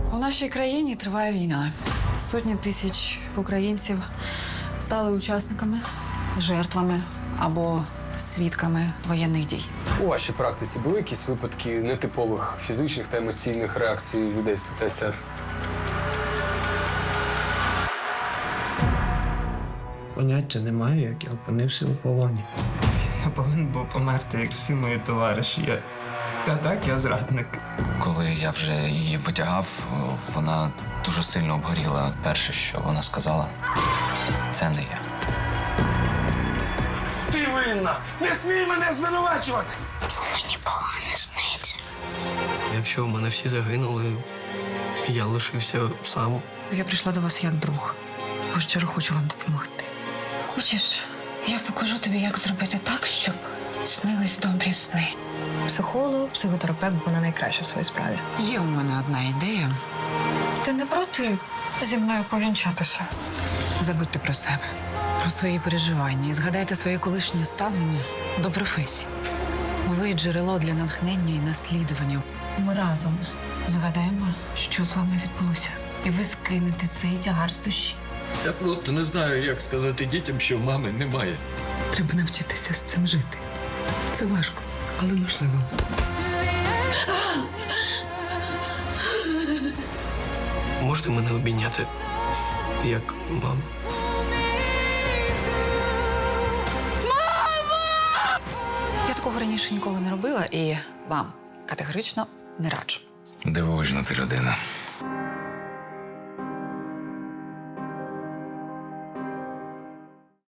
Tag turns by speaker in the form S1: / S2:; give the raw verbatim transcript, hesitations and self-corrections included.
S1: У нашій країні триває війна. Сотні тисяч українців стали учасниками, жертвами або свідками воєнних дій.
S2: У вашій практиці були якісь випадки нетипових фізичних та емоційних реакцій людей з ПТСР?
S3: Поняття не маю, як я опинився у полоні.
S4: Я повинен був померти, як всі мої товариші. Я... Та так, я зрадник.
S5: Коли я вже її витягав, вона дуже сильно обгоріла. Перше, що вона сказала, це не я.
S6: Ти винна! Не смій мене звинувачувати!
S7: Мені погано сниться.
S8: Якщо в мене всі загинули, я лишився сам.
S1: Я прийшла до вас як друг, бо щиро хочу вам допомогти. Хочеш, я покажу тобі, як зробити так, щоб снились добрі сни.
S9: Психолог, психотерапевт, вона найкраща в своїй справі.
S1: Є у мене одна ідея. Ти не проти зі мною повінчатися? Забудьте про себе, про свої переживання і згадайте своє колишнє ставлення до професії. Ви джерело для натхнення і наслідування. Ми разом згадаємо, що з вами відбулося. І ви скинете цей тягар з душі.
S10: Я просто не знаю, як сказати дітям, що мами немає.
S1: Треба навчитися з цим жити. Це важко, але можливо.
S8: Можете мене обійняти, як маму?
S1: Я такого раніше ніколи не робила і вам категорично не раджу.
S5: Дивовижна ти людина.